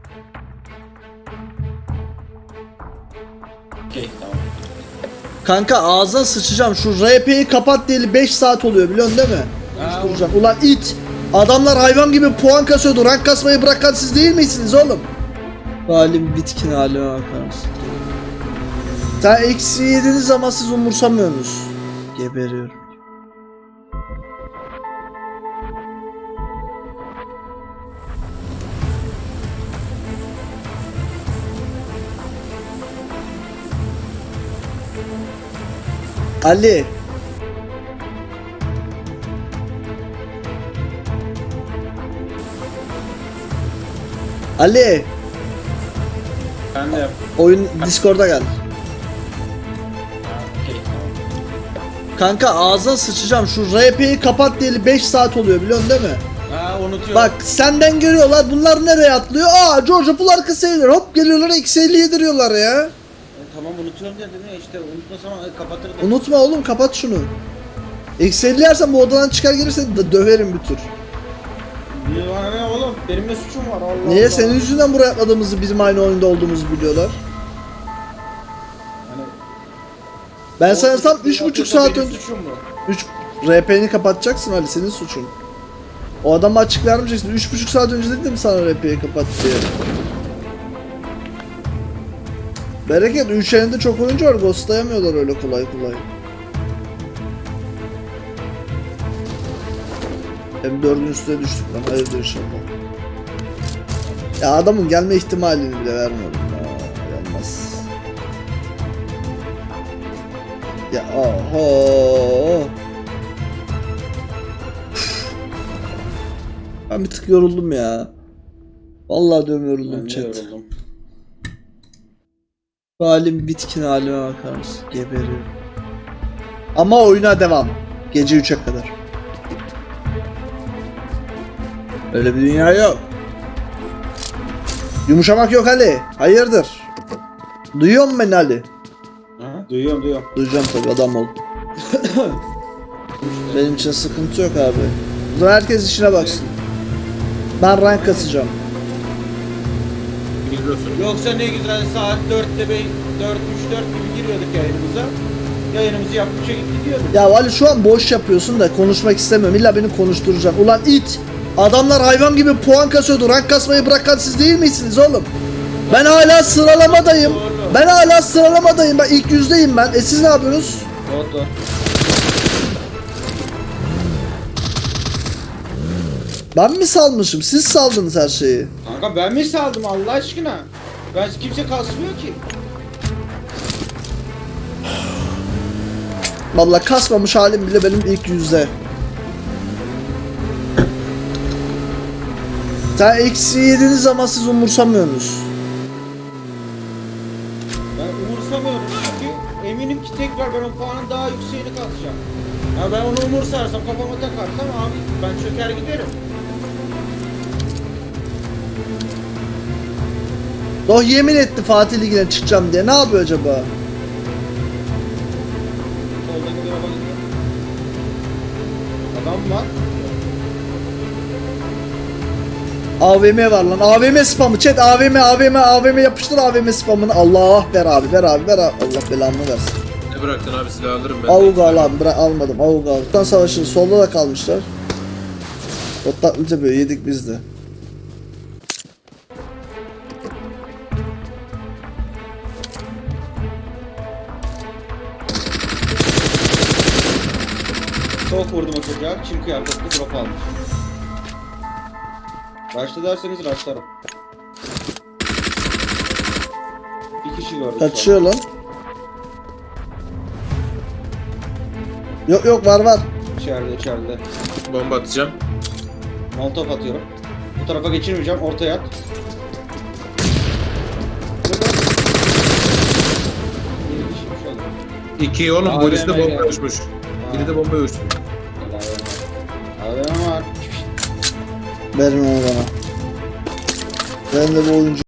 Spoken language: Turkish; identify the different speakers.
Speaker 1: Okey, tamam.
Speaker 2: Kanka ağzına sıçacağım. Şu RP'yi kapat diyeli 5 saat oluyor biliyorsun değil mi? Konuşturacağım. Ulan it. Adamlar hayvan gibi puan kasıyordu. Rank kasmayı bırakan siz değil misiniz oğlum? Halim bitkin halime bakar mısın? Sen eksi yediğiniz zaman siz umursamıyorsunuz. Geberiyorum. Ali. Ali.
Speaker 1: Ben de yap.
Speaker 2: Oyun Discord'a gel.
Speaker 1: Ha, okey, tamam.
Speaker 2: Kanka ağzına sıçacağım. Şu RP'yi kapat diyeli 5 saat oluyor biliyorsun değil mi?
Speaker 1: Ha, unutuyorum.
Speaker 2: Bak senden görüyorlar. Bunlar nereye atlıyor? Aa George Pool arkası eğilir. Hop geliyorlar eksi 50 yediriyorlar ya.
Speaker 1: Tamam, unutuyorum dedim ya, işte unutmasam kapatırdım.
Speaker 2: Unutma oğlum, kapat şunu. Eksi 50 yersen bu odadan çıkar gelirse döverim bir tur.
Speaker 1: Bana ne oğlum? Benim ne suçum var? Allah
Speaker 2: Niye?
Speaker 1: Allah.
Speaker 2: Senin yüzünden buraya atladığımızı, bizim aynı oyunda olduğumuzu biliyorlar.
Speaker 1: Hani,
Speaker 2: Ben sanırsam
Speaker 1: o
Speaker 2: 3,5 saat
Speaker 1: benim
Speaker 2: önce...
Speaker 1: suçum mu?
Speaker 2: 3 RP'ni kapatacaksın Ali, senin suçun. O adamı açık vermeyeceksin. 3,5 saat önce dedim sana RP'yi kapat diye. Bereket 3 elinde çok oyuncu var, ghostlayamıyorlar öyle kolay kolay. M4'ün üstüne düştük lan, hayırdır inşallah. Ya adamın gelme ihtimalini bile vermiyorum ya, yanmaz. Ya oho. Ben bir tık yoruldum ya. Vallahi diyorum yoruldum
Speaker 1: Ben de
Speaker 2: chat.
Speaker 1: yoruldum.
Speaker 2: Bu halim bitkin halime bakar mısın? Geberiyorum. Ama oyuna devam. Gece 3'e kadar. Öyle bir dünya yok. Yumuşamak yok Ali. Hayırdır? Duyuyor musun beni Ali?
Speaker 1: Ha, duyuyorum.
Speaker 2: Duyacağım tabii, adam ol. Benim için sıkıntı yok abi. O zaman herkes işine baksın. Ben rank kasacağım.
Speaker 1: Yoksa ne güzel saat 4'te 4-3-4 gibi giriyorduk yayınımıza. Yayınımızı yaptıkça gidiyorduk.
Speaker 2: Ya Ali şu an boş yapıyorsun da konuşmak istemiyorum. İlla beni konuşturacaksın. Ulan it! Adamlar hayvan gibi puan kasıyordu. Rank kasmayı bırakan siz değil misiniz oğlum? Ben hala sıralamadayım.
Speaker 1: Doğru.
Speaker 2: Ben hala sıralamadayım. Ben ilk yüzdeyim ben. Siz ne yapıyorsunuz?
Speaker 1: Doğru.
Speaker 2: Ben mi salmışım? Siz saldınız her şeyi.
Speaker 1: Kanka ben mi saldım Allah aşkına? Ben kimse kasmıyor ki.
Speaker 2: Vallahi kasmamış halim bile benim ilk yüzde. Sen eksi yediğiniz zaman siz umursamıyorsunuz.
Speaker 1: Ben umursamıyorum çünkü eminim ki tekrar ben o puanın daha yükseğini kasacağım. Ya ben onu umursarsam, kafama takarsam abi ben çöker giderim.
Speaker 2: Doh yemin etti Fatih Ligi'ne çıkacağım diye. Ne yapıyor acaba?
Speaker 1: Soldaki bir araba gidiyor. Adam var.
Speaker 2: AVM var lan. AVM spamı. Chat AVM yapıştır AVM spamını. Allah ver abi. Allah belamı versin.
Speaker 3: Ne bıraktın abi, silah alırım ben.
Speaker 2: Avuga al abi. Almadım. Avuga al. Bottan savaşı solda da kalmışlar. Bottan böyle yedik biz de.
Speaker 1: Çok vurdum o çocuğa. Çim kıyafetli drop almış. Rush'ta derseniz rush'larım. Bir kişi gördüm.
Speaker 2: Kaçıyor lan. Yok var.
Speaker 1: İçeride.
Speaker 3: Bomba atacağım.
Speaker 1: Molotov atıyorum. Bu tarafa geçirmeyeceğim. Ortaya at. Bir kişiymiş oğlum.
Speaker 3: 2 oğlum,
Speaker 1: AVM
Speaker 3: poliste bomba
Speaker 1: geldi.
Speaker 3: uçmuş. Biri de bomba uçmuş.
Speaker 1: AVM var.
Speaker 2: Verme onu bana. Ben de bu oyuncu